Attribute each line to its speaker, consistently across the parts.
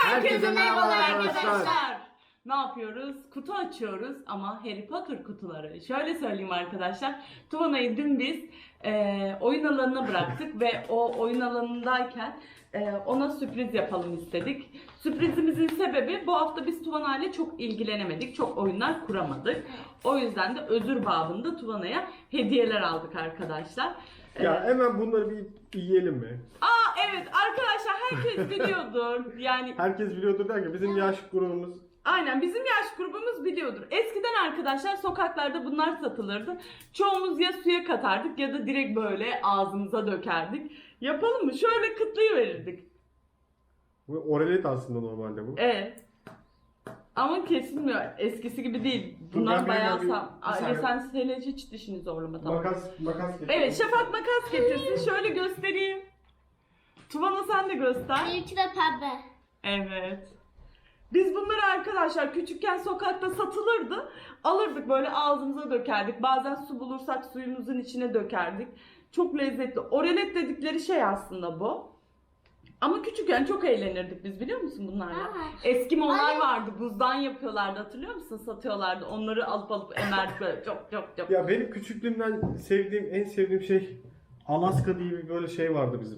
Speaker 1: Herkese merhabalar
Speaker 2: arkadaşlar.
Speaker 1: arkadaşlar. Ne yapıyoruz? Kutu açıyoruz ama Harry Potter kutuları. Şöyle söyleyeyim arkadaşlar. Tuvana'yı dün biz oyun alanına bıraktık ve o oyun alanındayken ona sürpriz yapalım istedik. Sürprizimizin sebebi bu hafta biz Tuvana ile çok ilgilenemedik. Çok oyunlar kuramadık. O yüzden de özür babında Tuvana'ya hediyeler aldık arkadaşlar.
Speaker 2: Ya hemen bunları bir yiyelim mi?
Speaker 1: Evet arkadaşlar herkes biliyordur. Yani
Speaker 2: Herkes biliyordur derken bizim yaş grubumuz
Speaker 1: aynen bizim yaş grubumuz biliyordur. Eskiden arkadaşlar sokaklarda bunlar satılırdı. Çoğumuz ya suya katardık ya da direkt böyle ağzımıza dökerdik. Yapalım mı? Şöyle kıtlayıverirdik.
Speaker 2: bu oralet aslında normalde bu.
Speaker 1: Evet. Ama kesilmiyor. Eskisi gibi değil. Bunlar
Speaker 2: ben
Speaker 1: bayağı
Speaker 2: bir
Speaker 1: sağlam.
Speaker 2: saniye.
Speaker 1: Sen hele hiç dişini zorlama tamam.
Speaker 2: Makas getir.
Speaker 1: Evet Şafak makas getirsin. Şöyle göstereyim. Tuvana sen de göster.
Speaker 3: Benimki de pembe.
Speaker 1: Evet. Biz bunları arkadaşlar küçükken sokakta satılırdı. Alırdık böyle ağzımıza dökerdik. Bazen su bulursak suyumuzun içine dökerdik. Çok lezzetli. Oralet dedikleri şey aslında bu. Ama küçükken çok eğlenirdik biz biliyor musun bunlarla?
Speaker 3: Aa.
Speaker 1: Eskimolar vardı. Buzdan yapıyorlardı hatırlıyor musun? Satıyorlardı. Onları alıp emerdik böyle çok.
Speaker 2: Ya benim küçüklüğümden en sevdiğim şey Alaska diye bir böyle şey vardı bizim.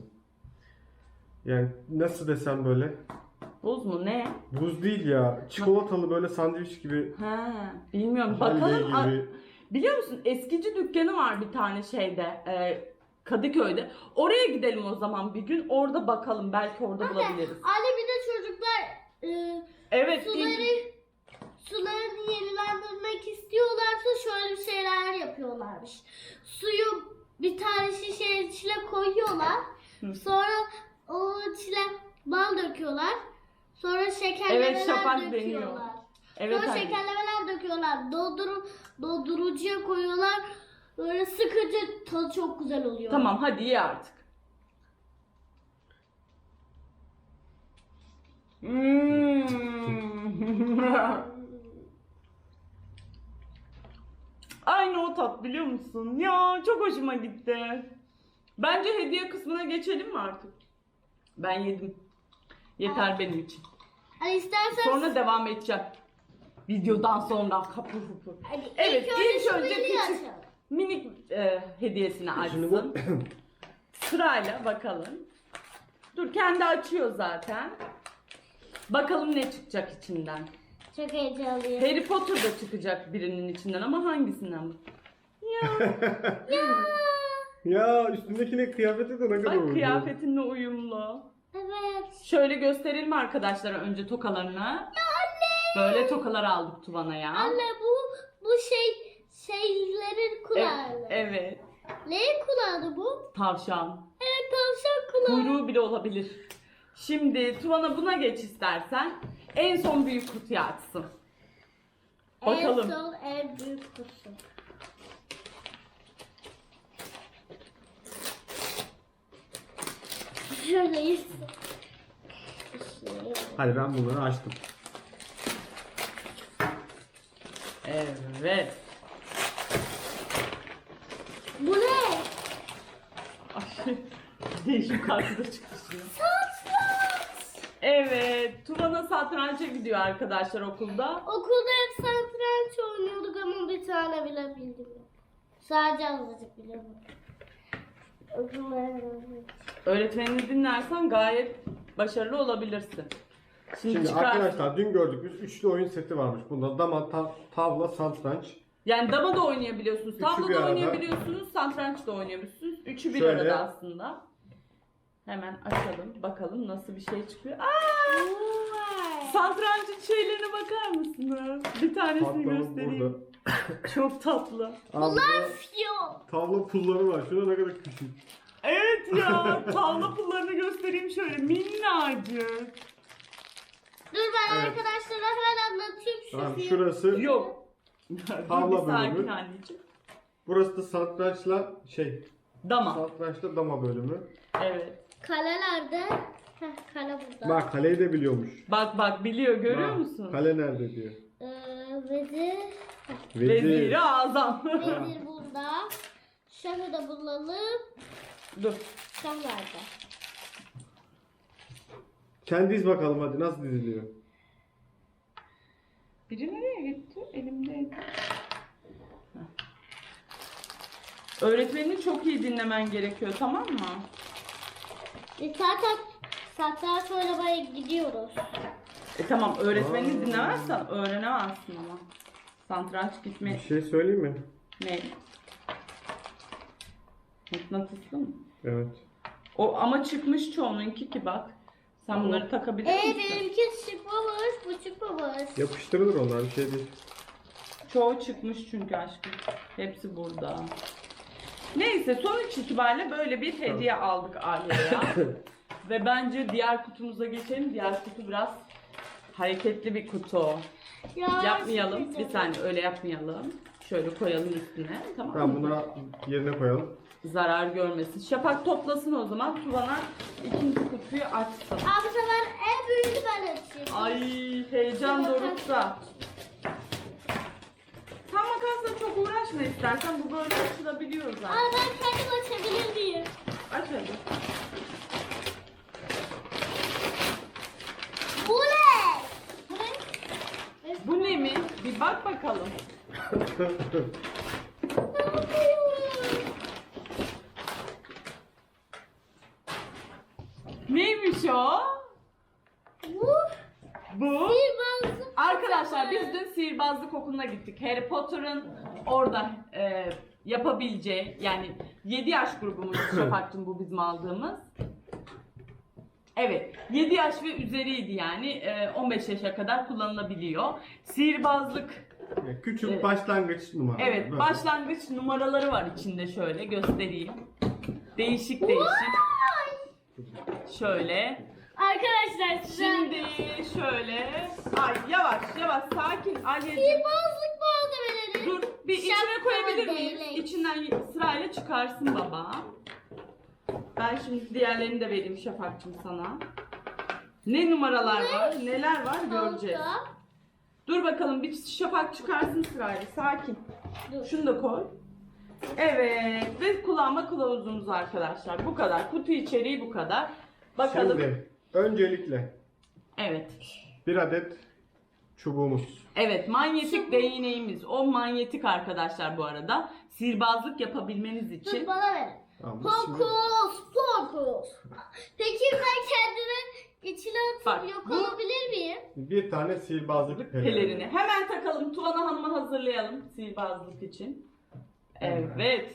Speaker 2: Yani nasıl desem böyle.
Speaker 1: Buz mu ne?
Speaker 2: Buz değil ya. Çikolatalı böyle sandviç gibi.
Speaker 1: Ha, bilmiyorum.
Speaker 2: Halley
Speaker 1: Bakalım.
Speaker 2: gibi.
Speaker 1: Biliyor musun eskici dükkanı var bir tane şeyde Kadıköy'de. Oraya gidelim o zaman bir gün. Orada bakalım. Belki orada bulabiliriz.
Speaker 3: Anne bir de çocuklar
Speaker 1: Evet.
Speaker 3: sularını yenilendirmek istiyorlarsa şöyle bir şeyler yapıyorlarmış. Suyu bir tane şişenin içine koyuyorlar. Sonra o içine bal döküyorlar. Sonra şekerlemeler
Speaker 1: Evet, Şafak
Speaker 3: döküyorlar.
Speaker 1: deniyor. Evet,
Speaker 3: Sonra
Speaker 1: anne.
Speaker 3: şekerlemeler döküyorlar. Dondurucuya koyuyorlar. Böyle sıkınca tadı çok güzel oluyor.
Speaker 1: Tamam hadi ye artık. Aynı o tat biliyor musun? Ya çok hoşuma gitti. Bence hediye kısmına geçelim mi artık? Ben yedim. Yeter benim için.
Speaker 3: Hani istersen
Speaker 1: Sonra devam edeceğim. Videodan sonra kapı kapı.
Speaker 3: Hadi
Speaker 1: Evet ilk önce
Speaker 3: şu
Speaker 1: küçük
Speaker 3: açalım.
Speaker 1: minik hediyesini
Speaker 2: Şimdi bu
Speaker 1: açsın. Sırayla bakalım. Dur kendi açıyor zaten. Bakalım ne çıkacak içinden.
Speaker 3: Çok heyecanlıyım.
Speaker 1: Harry Potter da çıkacak birinin içinden ama hangisinden bu? Ya
Speaker 2: ya üstündekine kıyafeti de ne kadar
Speaker 1: bak
Speaker 2: uygun.
Speaker 1: kıyafetinle uyumlu.
Speaker 3: Evet.
Speaker 1: Şöyle gösterelim arkadaşlara önce tokalarını. Böyle tokalar aldık Tuvana'ya.
Speaker 3: Anne bu şeylerin kulağı.
Speaker 1: Evet.
Speaker 3: Neyin kulağı bu?
Speaker 1: Tavşan.
Speaker 3: Evet tavşan kulağı.
Speaker 1: Kuyruğu bile olabilir. Şimdi Tuvana buna geç istersen. En son büyük kutuyu açsın. Bakalım.
Speaker 3: En son en büyük kutu. Şöyleyiz.
Speaker 2: Hadi ben bunları açtım.
Speaker 1: Evet.
Speaker 3: Bu ne?
Speaker 1: Ay, değişik kartı da çıktı şimdi.
Speaker 3: Satranç.
Speaker 1: Evet. Tuvana satranca gidiyor arkadaşlar okulda.
Speaker 3: Okulda hep satranç oynuyorduk ama bir tane bile bildim. Sadece azıcık biliyorum.
Speaker 1: Öğretmenini dinlersen gayet başarılı olabilirsin.
Speaker 2: Şimdi
Speaker 1: çıkar.
Speaker 2: arkadaşlar dün gördük biz üçlü oyun seti varmış. Bunda dama, tavla, satranç.
Speaker 1: Yani dama da oynayabiliyorsunuz,
Speaker 2: Üçü
Speaker 1: tavla
Speaker 2: bir
Speaker 1: da
Speaker 2: arada.
Speaker 1: oynayabiliyorsunuz, satranç da oynayabiliyorsunuz. Üçü bir
Speaker 2: Şöyle.
Speaker 1: arada aslında. Hemen açalım, bakalım nasıl bir şey çıkıyor. Aa! Satrancın şeylerine bakar mısınız? Bir tanesini
Speaker 2: Patlamız
Speaker 1: göstereyim.
Speaker 2: burada.
Speaker 1: Çok tatlı.
Speaker 2: Abi
Speaker 3: Yo.
Speaker 2: tavla pulları var. Şuna ne kadar küçük.
Speaker 1: Evet ya, tavla pullarını göstereyim şöyle minnacık.
Speaker 3: Dur ben
Speaker 2: Evet.
Speaker 3: arkadaşlara hemen anlatayım şu
Speaker 2: Tamam
Speaker 3: fiyatı.
Speaker 2: şurası.
Speaker 1: Yok.
Speaker 2: Tavla
Speaker 1: Dur bir sakin
Speaker 2: bölümü.
Speaker 1: anneciğim.
Speaker 2: Burası da satrançla
Speaker 1: Dama.
Speaker 2: satrançla dama bölümü.
Speaker 1: Evet.
Speaker 3: Kalelerde. Heh, kale burada.
Speaker 2: Bak kaleyi de biliyormuş.
Speaker 1: Bak biliyor görüyor
Speaker 2: Bak,
Speaker 1: musun?
Speaker 2: Kale nerede diyor.
Speaker 3: Vezir.
Speaker 1: Veziri Azam.
Speaker 3: Vezir burada. Şahı da bulalım.
Speaker 1: Dur.
Speaker 3: Şah nerede?
Speaker 2: Sen diz bakalım hadi nasıl diziliyor.
Speaker 1: Biri nereye gitti? Elimdeydi. Heh. Öğretmenini çok iyi dinlemen gerekiyor, tamam mı?
Speaker 3: Zaten satranç oynamaya gidiyoruz.
Speaker 1: Tamam, öğretmenini
Speaker 2: Aa.
Speaker 1: dinlemezsen öğrenemezsin ama. Satranç gitme
Speaker 2: Bir şey söyleyeyim mi?
Speaker 1: ne? Mıknatıslı mı?
Speaker 2: Evet.
Speaker 1: O ama çıkmış çoğununki ki bak. Sen bunları takabilir misin?
Speaker 3: Benimki çıkmamış, bu çıkmamış.
Speaker 2: Yapıştırılır onlar, bir şey değil.
Speaker 1: Çoğu çıkmış çünkü aşkım. Hepsi burada. Neyse, sonuç itibariyle böyle bir hediye aldık Alya'ya. Ve bence diğer kutumuza geçelim. Diğer kutu biraz hareketli bir kutu.
Speaker 3: Ya,
Speaker 1: Yapmayalım. Bir
Speaker 3: çıkacak.
Speaker 1: saniye, öyle yapmayalım. Şöyle koyalım üstüne. Tamam
Speaker 2: Tamam,
Speaker 1: mı?
Speaker 2: bunları yerine koyalım.
Speaker 1: Zarar görmesin. Şafak toplasın o zaman. Tuvana ikinci kutuyu açsın.
Speaker 3: Abi sefer en büyüğünü ben açayım.
Speaker 1: Ay, heyecan dorukta. Tam makasla çok uğraşma istersen. Bu böyle açılabiliyor zaten.
Speaker 3: Aa, ben kendim açabilir miyim?
Speaker 1: Aç hadi.
Speaker 3: Bu ne? Bu ne?
Speaker 1: Bu ne mi? Bir bak bakalım. Neymiş o?
Speaker 3: Bu
Speaker 1: Bu.
Speaker 3: sihirbazlık.
Speaker 1: Arkadaşlar biz dün sihirbazlık okuluna gittik. Harry Potter'ın orada yapabileceği, yani 7 yaş grubumuz Şafak'cığım bu bizim aldığımız. Evet, 7 yaş ve üzeriydi yani 15 yaşa kadar kullanılabiliyor. Sihirbazlık,
Speaker 2: Küçük
Speaker 1: Evet.
Speaker 2: başlangıç numara.
Speaker 1: evet,
Speaker 2: Böyle.
Speaker 1: başlangıç numaraları var içinde, şöyle göstereyim. Değişik değişik. Şöyle.
Speaker 3: Arkadaşlar size
Speaker 1: Şimdi şöyle. Ay yavaş yavaş, sakin Alya'cığım.
Speaker 3: sihirbazlık malzemeleri.
Speaker 1: Dur, bir içine
Speaker 3: Şapkalı
Speaker 1: koyabilir miyiz?
Speaker 3: değnek.
Speaker 1: İçinden sırayla çıkarsın baba. Ben şimdi diğerlerini de vereyim Şafak'cığım sana. Ne numaralar var, neler var göreceğiz.
Speaker 3: Halka.
Speaker 1: Dur bakalım, bir Şafak çıkarsın sırayla, sakin.
Speaker 3: Dur.
Speaker 1: Şunu da koy. Evet, ve kullanma kılavuzumuz arkadaşlar. Bu kadar. Kutu içeriği bu kadar. Bakalım.
Speaker 2: Şimdi öncelikle
Speaker 1: Evet.
Speaker 2: bir adet çubuğumuz.
Speaker 1: Evet, manyetik
Speaker 3: Çubuk.
Speaker 1: değneğimiz. O manyetik arkadaşlar bu arada. Sihirbazlık yapabilmeniz için.
Speaker 3: Dur bana ver.
Speaker 2: Tamam, biz şimdi
Speaker 3: Fokus, fokus. Peki ben kendime içine atıp
Speaker 1: Bak,
Speaker 3: yok
Speaker 1: bu-
Speaker 3: olabilir miyim?
Speaker 2: bir tane sihirbazlık
Speaker 1: Pelerini. Hemen takalım. Tuvana Hanım'a hazırlayalım sihirbazlık için. Evet.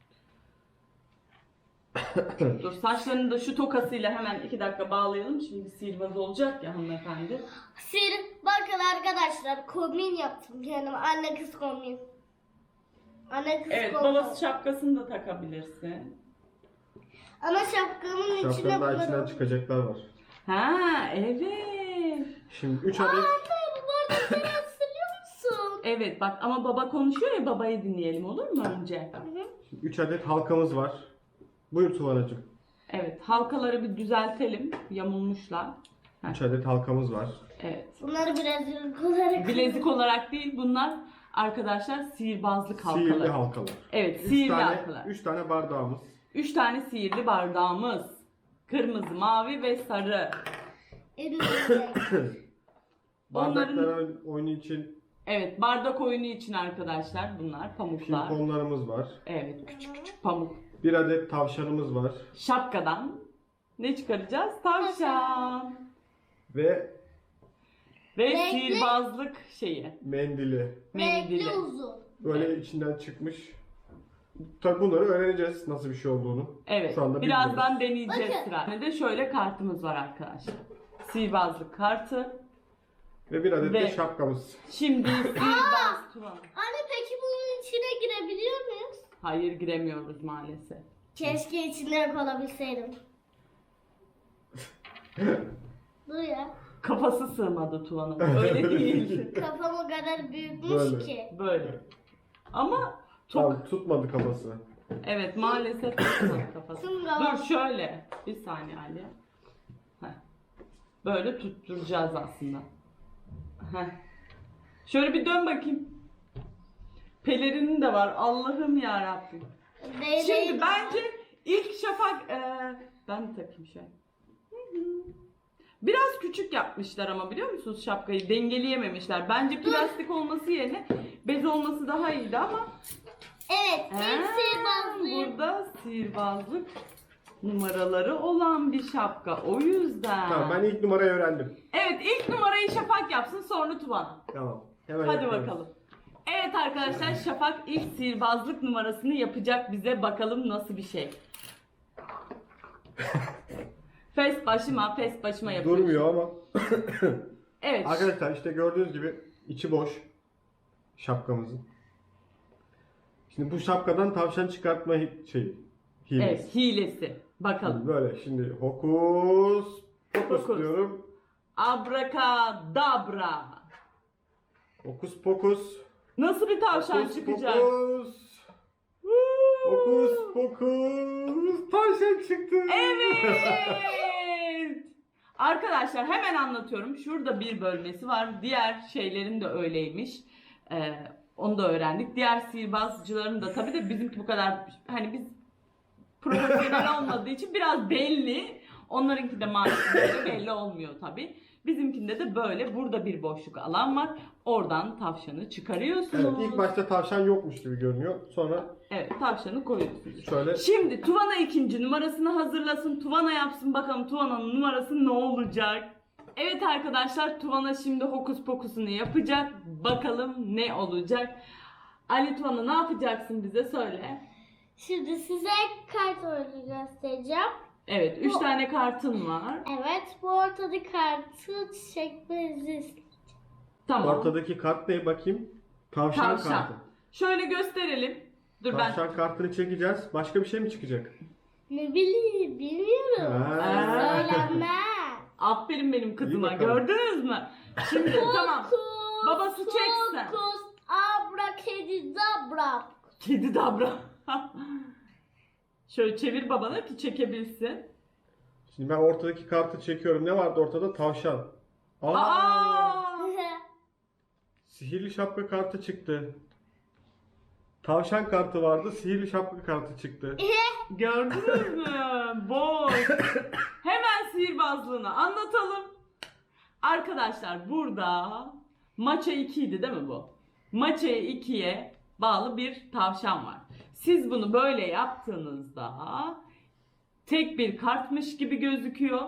Speaker 1: Dur, saçlarını da şu tokasıyla hemen 2 dakika bağlayalım. Şimdi sihirbaz olacak ya hanımefendi.
Speaker 3: Bakın arkadaşlar kombin yaptım kendime. Anne kız kombin. Anne kız
Speaker 1: Evet,
Speaker 3: kombin.
Speaker 1: babası şapkasını da takabilirsin.
Speaker 3: Ama şapkamın içine
Speaker 2: şapkanın daha içinden
Speaker 3: koyalım.
Speaker 2: çıkacaklar var.
Speaker 1: Ha, evet.
Speaker 2: Şimdi 3
Speaker 3: Aa,
Speaker 2: adet
Speaker 3: anne bu arada sen hatırlıyor musun?
Speaker 1: Evet bak, ama baba konuşuyor ya, babayı dinleyelim olur mu önce?
Speaker 2: 3 adet halkamız var. Buyur Tuvanacığım.
Speaker 1: Evet, halkaları bir düzeltelim. Yamulmuşlar.
Speaker 2: 3 adet halkamız var.
Speaker 1: Evet.
Speaker 3: Bunları birazcık olarak.
Speaker 1: Bilezik olarak değil bunlar arkadaşlar, sihirbazlık halkaları.
Speaker 2: Sihirli halkalar.
Speaker 1: Evet,
Speaker 2: 3
Speaker 1: sihirli
Speaker 2: tane,
Speaker 1: halkalar.
Speaker 2: 3 tane bardağımız.
Speaker 1: 3 tane sihirli bardağımız. Kırmızı, mavi ve sarı.
Speaker 3: Elimizde.
Speaker 2: Bardaklar oyunu için
Speaker 1: Evet, bardak oyunu için arkadaşlar bunlar pamuklar.
Speaker 2: pimponlarımız var.
Speaker 1: Evet, küçük küçük pamuk.
Speaker 2: 1 adet tavşanımız var.
Speaker 1: Şapkadan ne çıkaracağız? Tavşan.
Speaker 2: Ve
Speaker 1: Ve
Speaker 3: Renkli.
Speaker 1: sihirbazlık şeyi.
Speaker 2: mendili.
Speaker 1: Mendili.
Speaker 3: Renkli uzun.
Speaker 2: Böyle içinden çıkmış. Tabi bunları öğreneceğiz nasıl bir şey olduğunu.
Speaker 1: Evet,
Speaker 2: Şu anda
Speaker 1: birazdan deneyeceğiz
Speaker 3: Bakın.
Speaker 1: sıra. Bir de şöyle kartımız var arkadaşlar. Sihirbazlık kartı.
Speaker 2: Ve 1 adet
Speaker 1: Ve-
Speaker 2: de şapkamız.
Speaker 1: Şimdi sihirbaz Tuvan.
Speaker 3: Anne peki bunun içine girebiliyor muyuz?
Speaker 1: Hayır, giremiyoruz maalesef.
Speaker 3: Keşke içinde kalabilseydim. Dur ya.
Speaker 1: Kafası sığmadı Tuvan'ın. Öyle değil.
Speaker 3: Kafam o kadar büyükmüş
Speaker 2: Böyle.
Speaker 3: ki.
Speaker 1: Böyle. Ama çok...
Speaker 2: Tamam, tutmadı kafası.
Speaker 1: Evet, maalesef tutmadı kafası.
Speaker 3: Şunga.
Speaker 1: Dur şöyle. Bir saniye Ali. Heh. Böyle tutturacağız aslında. Heh. Şöyle bir dön bakayım. Pelerinin de var. Allah'ım ya Rabbim. Şimdi bence ilk Şafak ben de takayım şöyle. Biraz küçük yapmışlar ama biliyor musunuz şapkayı? Dengeleyememişler. Bence plastik olması yerine bez olması daha iyiydi ama.
Speaker 3: Evet, en sihirbazlıyım.
Speaker 1: Burada sihirbazlık numaraları olan bir şapka. O yüzden.
Speaker 2: Tamam, ben ilk numarayı öğrendim.
Speaker 1: Evet, ilk numarayı Şafak yapsın, sonra Tuvan.
Speaker 2: Tamam. Hemen
Speaker 1: Hadi
Speaker 2: yapıyorum.
Speaker 1: bakalım. Evet arkadaşlar, Şafak ilk sihirbazlık numarasını yapacak bize. Bakalım nasıl bir şey. Fes başıma yapıyor.
Speaker 2: Durmuyor ama.
Speaker 1: Evet.
Speaker 2: Arkadaşlar işte gördüğünüz gibi içi boş şapkamızın. Şimdi bu şapkadan tavşan çıkartma hilesi.
Speaker 1: Evet, hilesi. Bakalım.
Speaker 2: Böyle şimdi hokus pokus
Speaker 1: Pokus.
Speaker 2: diyorum.
Speaker 1: Abrakadabra.
Speaker 2: Hokus pokus.
Speaker 1: Nasıl bir tavşan
Speaker 2: Hokus
Speaker 1: çıkacak?
Speaker 2: pokus. Hokus pokus. Tavşan çıktı.
Speaker 1: Evet. Arkadaşlar hemen anlatıyorum. Şurada bir bölmesi var. Diğer şeylerin de öyleymiş. Onu da öğrendik. Diğer sihirbazcıların da tabii de bizimki bu kadar hani biz profesyonel olmadığı için biraz belli. Onlarınki de maalesef belli olmuyor tabii. Bizimkinde de böyle burada bir boşluk alan var. Oradan tavşanı çıkarıyorsunuz.
Speaker 2: Evet, ilk başta tavşan yokmuş gibi görünüyor. Sonra
Speaker 1: Evet, tavşanı koyuyorsunuz.
Speaker 2: şöyle
Speaker 1: Şimdi Tuvana ikinci numarasını hazırlasın. Tuvana yapsın bakalım Tuvana'nın numarası ne olacak? Evet arkadaşlar, Tuvana şimdi hokus pokusunu yapacak. Bakalım ne olacak? Ali Tuvana ne yapacaksın bize söyle.
Speaker 3: Şimdi size kart oyunu göstereceğim.
Speaker 1: Evet, 3 tane kartın var.
Speaker 3: Evet, bu ortadaki kartı çekmenizi isteyeceğim.
Speaker 1: Tamam.
Speaker 2: ortadaki kart ne bakayım? Tavşan
Speaker 1: Tavşan.
Speaker 2: kartı.
Speaker 1: Şöyle gösterelim. Dur
Speaker 2: Tavşan kartını çekeceğiz. Başka bir şey mi çıkacak?
Speaker 3: Ne bileyim, bilmiyorum.
Speaker 2: Ha.
Speaker 3: Söylenmez.
Speaker 1: Aferin benim kızıma.
Speaker 2: İyi bakalım.
Speaker 1: Gördünüz mü? Şimdi tamam.
Speaker 3: Fokus,
Speaker 1: Babası çeksin.
Speaker 3: Fokus, abrakadabra.
Speaker 1: Kedi dabra. Şöyle çevir babana ki çekebilsin.
Speaker 2: Şimdi ben ortadaki kartı çekiyorum. Ne vardı ortada? Tavşan.
Speaker 1: Aa!
Speaker 2: Sihirli şapka kartı çıktı. Tavşan kartı vardı. Sihirli şapka kartı çıktı.
Speaker 1: Gördünüz mü? Boş. Hemen sihirbazlığını anlatalım. Arkadaşlar burada maça 2 idi değil mi bu? Maça 2'ye bağlı bir tavşan var. Siz bunu böyle yaptığınızda tek bir kartmış gibi gözüküyor.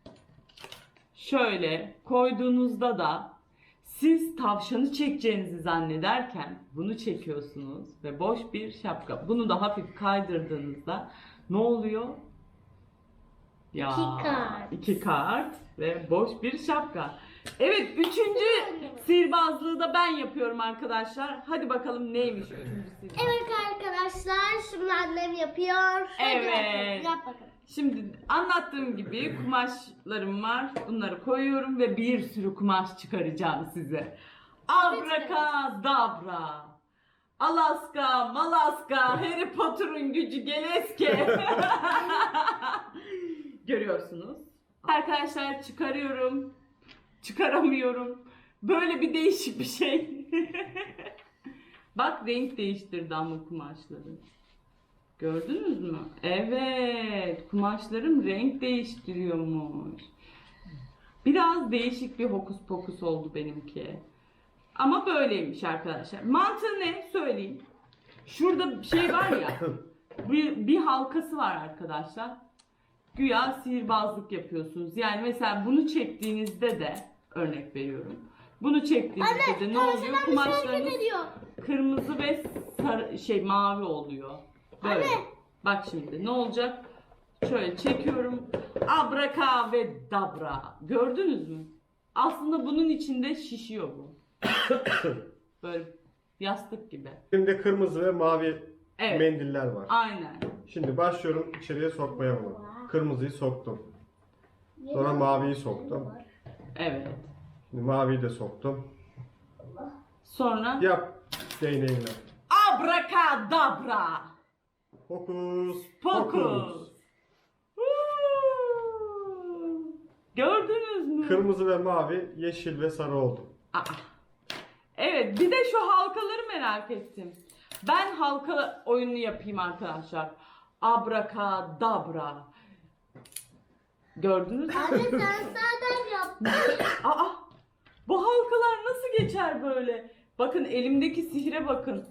Speaker 1: Şöyle koyduğunuzda da siz tavşanı çekeceğinizi zannederken bunu çekiyorsunuz ve boş bir şapka. Bunu da hafif kaydırdığınızda ne oluyor? Ya,
Speaker 3: İki kart.
Speaker 1: 2 kart ve boş bir şapka. Evet, üçüncü sihirbazlığı da ben yapıyorum arkadaşlar. Hadi bakalım neymiş üçüncü sihirbazlık.
Speaker 3: Evet arkadaşlar, şimdi annem yapıyor. Hadi
Speaker 1: Evet.
Speaker 3: Yap bakalım.
Speaker 1: Şimdi anlattığım gibi kumaşlarım var. Bunları koyuyorum ve bir sürü kumaş çıkaracağım size. Abrakadabra. Alaska, Malaska, Harry Potter'ın gücü geleske. Görüyorsunuz. Arkadaşlar çıkarıyorum. Çıkaramıyorum. Böyle bir değişik bir şey. Bak renk değiştirdi ama kumaşları. Gördünüz mü? Evet, kumaşlarım renk değiştiriyormuş. Biraz değişik bir hokus pokus oldu benimki. Ama böyleymiş arkadaşlar. Mantığı ne? Söyleyeyim. Şurada bir şey var ya. Bir halkası var arkadaşlar. Güya sihirbazlık yapıyorsunuz. Yani mesela bunu çektiğinizde de örnek veriyorum. Bunu çektiğinizde de ne oluyor?
Speaker 3: Tavşan hareket
Speaker 1: Kumaşlarınız
Speaker 3: ediyor.
Speaker 1: kırmızı ve sarı, mavi oluyor. Böyle.
Speaker 3: Anne.
Speaker 1: Bak şimdi ne olacak? Şöyle çekiyorum. Abraka ve dabra. Gördünüz mü? Aslında bunun içinde şişiyor bu. Böyle yastık gibi.
Speaker 2: Elimde kırmızı ve mavi
Speaker 1: Evet.
Speaker 2: mendiller var.
Speaker 1: Aynen.
Speaker 2: Şimdi başlıyorum içeriye sokmaya bunu. Kırmızıyı soktum. Sonra maviyi soktum.
Speaker 1: Evet.
Speaker 2: Şimdi maviyi de soktum.
Speaker 1: Sonra
Speaker 2: Yap değneğinle.
Speaker 1: abrakadabra.
Speaker 2: Hokus
Speaker 1: Pokus.
Speaker 2: pokus.
Speaker 1: Gördünüz mü?
Speaker 2: Kırmızı ve mavi, yeşil ve sarı oldu.
Speaker 1: Aa. Evet, bir de şu halkaları merak ettim. Ben halka oyununu yapayım arkadaşlar. Abrakadabra. Gördünüz mü?
Speaker 3: Anne sen zaten yaptın.
Speaker 1: Aa! Bu halkalar nasıl geçer böyle? Bakın elimdeki sihre bakın.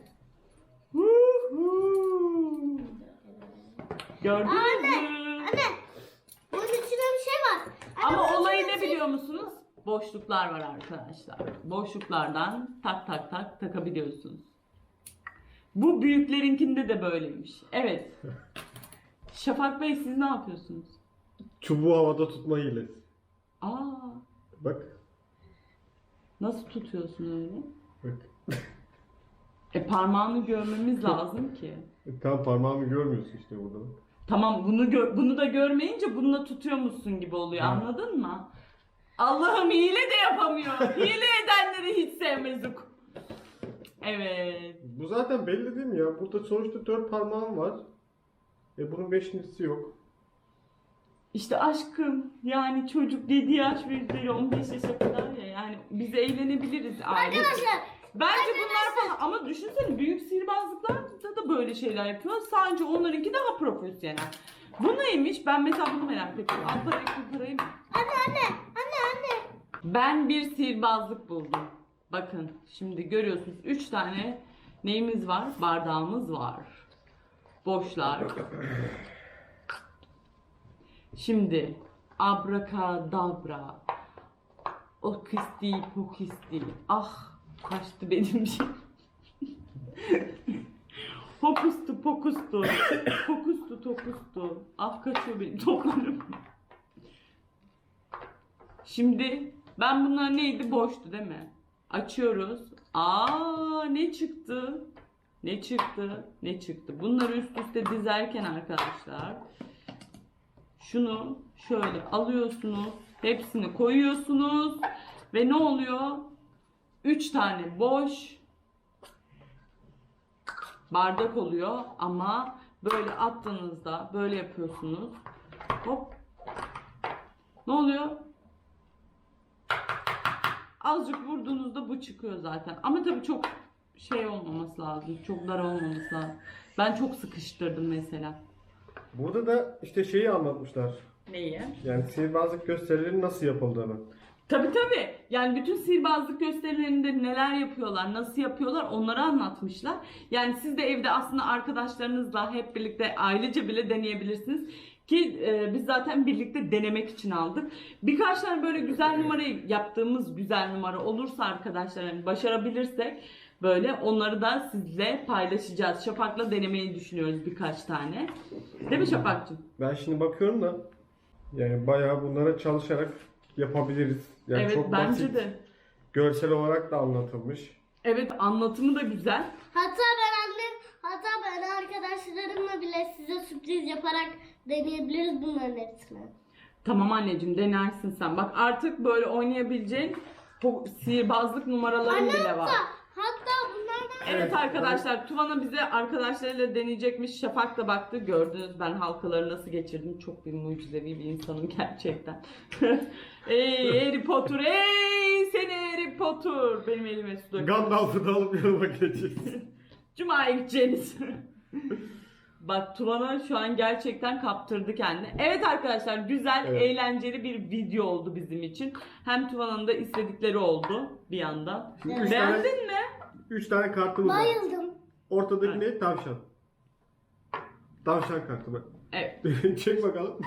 Speaker 1: Gördünüz mü?
Speaker 3: Anne bunun içinde bir şey var. Anne,
Speaker 1: Ama
Speaker 3: bunun
Speaker 1: olayı
Speaker 3: içinde
Speaker 1: ne
Speaker 3: bir şey-
Speaker 1: biliyor musunuz? Boşluklar var arkadaşlar. Boşluklardan tak tak tak takabiliyorsunuz. Bu büyüklerinkinde de böyleymiş. Evet. Şafak Bey siz ne yapıyorsunuz?
Speaker 2: Çubuğu havada tutma hilesi.
Speaker 1: Aa,
Speaker 2: Bak.
Speaker 1: nasıl tutuyorsun öyle?
Speaker 2: Bak.
Speaker 1: Parmağını görmemiz lazım ki.
Speaker 2: Tam parmağımı görmüyorsun işte burada.
Speaker 1: Tamam bunu da görmeyince bununla tutuyormuşsun gibi oluyor. Anladın mı? Allah'ım hile de yapamıyor. Hile edenleri hiç sevmezdik. Evet.
Speaker 2: Bu zaten belli değil mi ya? Burada sonuçta 4 parmağım var. Bunun 5.'si yok.
Speaker 1: İşte aşkım yani çocuk 7 yaş ve üzeri 15 yaşa kadar ya yani biz eğlenebiliriz aile.
Speaker 3: Arkadaşlar
Speaker 1: Bence bunlar falan ama düşünsene büyük sihirbazlıklarda da böyle şeyler yapıyor. Sadece onlarınki daha profesyonel. Bu neymiş? Ben mesela bunu merak ettim. Al parayı kurtarayım.
Speaker 3: anne.
Speaker 1: Ben bir sihirbazlık buldum. Bakın şimdi görüyorsunuz 3 tane neyimiz var? Bardağımız var. Boşlar. Şimdi abrakadabra. Okisti pokisti. Ah kaçtı benim şey. Hokustu pokustu. Pokustu tokustu. Ah kaçıyor benim toplarım. Şimdi ben bunlar neydi? Boştu değil mi? Açıyoruz. Aa ne çıktı? Ne çıktı? Ne çıktı? Bunları üst üste dizerken arkadaşlar şunu şöyle alıyorsunuz. Hepsini koyuyorsunuz. Ve ne oluyor? 3 tane boş bardak oluyor ama böyle attığınızda böyle yapıyorsunuz. Hop. Ne oluyor? Azıcık vurduğunuzda bu çıkıyor zaten. Ama tabii çok şey olmaması lazım. Çok dar olmaması lazım. Ben çok sıkıştırdım mesela.
Speaker 2: Burada da işte şeyi anlatmışlar.
Speaker 1: Neyi?
Speaker 2: Yani sihirbazlık gösterilerinin nasıl yapıldığını.
Speaker 1: Tabii. Yani bütün sihirbazlık gösterilerinde neler yapıyorlar, nasıl yapıyorlar onları anlatmışlar. Yani siz de evde aslında arkadaşlarınızla hep birlikte ailece bile deneyebilirsiniz. Ki biz zaten birlikte denemek için aldık. Birkaç tane böyle güzel numarayı yaptığımız güzel numara olursa arkadaşlar hani başarabilirsek böyle onları da sizle paylaşacağız. Şafak'la denemeyi düşünüyoruz birkaç tane. Değil mi Şafak'cığım?
Speaker 2: Ben şimdi bakıyorum da yani bayağı bunlara çalışarak yapabiliriz. Yani
Speaker 1: Evet
Speaker 2: çok
Speaker 1: bence
Speaker 2: basit.
Speaker 1: de.
Speaker 2: Görsel olarak da anlatılmış.
Speaker 1: Evet anlatımı da güzel.
Speaker 3: Hatta ben arkadaşlarımla bile size sürpriz yaparak deneyebiliriz bunların hepsini.
Speaker 1: Tamam anneciğim denersin sen. Bak artık böyle oynayabileceğin sihirbazlık numaraların bile var.
Speaker 3: Hatta bunlardan
Speaker 1: Evet arkadaşlar Tuvana bize arkadaşlarıyla deneyecekmiş. Şafak da baktı. Gördünüz ben halkaları nasıl geçirdim. Çok bir mucizevi bir insanım gerçekten. Ey Harry Potter ey seni Harry Potter. Benim elime su dök.
Speaker 2: Gandalf'ı da alıp yanıma geçeceğiz.
Speaker 1: Cuma'ya gideceğiniz. Bak Tuvana şu an gerçekten kaptırdı kendini. Evet arkadaşlar güzel,
Speaker 2: Evet.
Speaker 1: eğlenceli bir video oldu bizim için. Hem Tuvana'nın da istedikleri oldu bir yandan.
Speaker 2: Şimdi üç
Speaker 1: Beğendin mi?
Speaker 2: 3 tane kartımız var.
Speaker 3: bayıldım.
Speaker 2: Ortadaki ne? Tavşan. Tavşan kartı bak.
Speaker 1: Evet.
Speaker 2: Çek bakalım.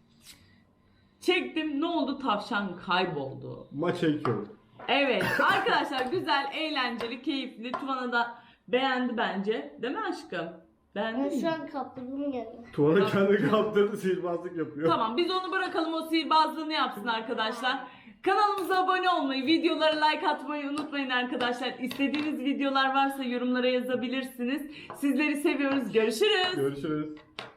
Speaker 1: Çektim. Ne oldu? Tavşan kayboldu.
Speaker 2: Maça 2 oldu.
Speaker 1: Evet. Arkadaşlar güzel, eğlenceli, keyifli. Tuvana da beğendi bence. Değil mi aşkım?
Speaker 3: Ben
Speaker 1: Beğendin
Speaker 3: şu
Speaker 1: mi?
Speaker 3: an kaptırdım kendimi.
Speaker 2: Tuğan'ın kendi kaptırdığı sihirbazlık yapıyor.
Speaker 1: Tamam biz onu bırakalım o sihirbazlığını yapsın arkadaşlar. Kanalımıza abone olmayı, videolara like atmayı unutmayın arkadaşlar. İstediğiniz videolar varsa yorumlara yazabilirsiniz. Sizleri seviyoruz. Görüşürüz.
Speaker 2: Görüşürüz.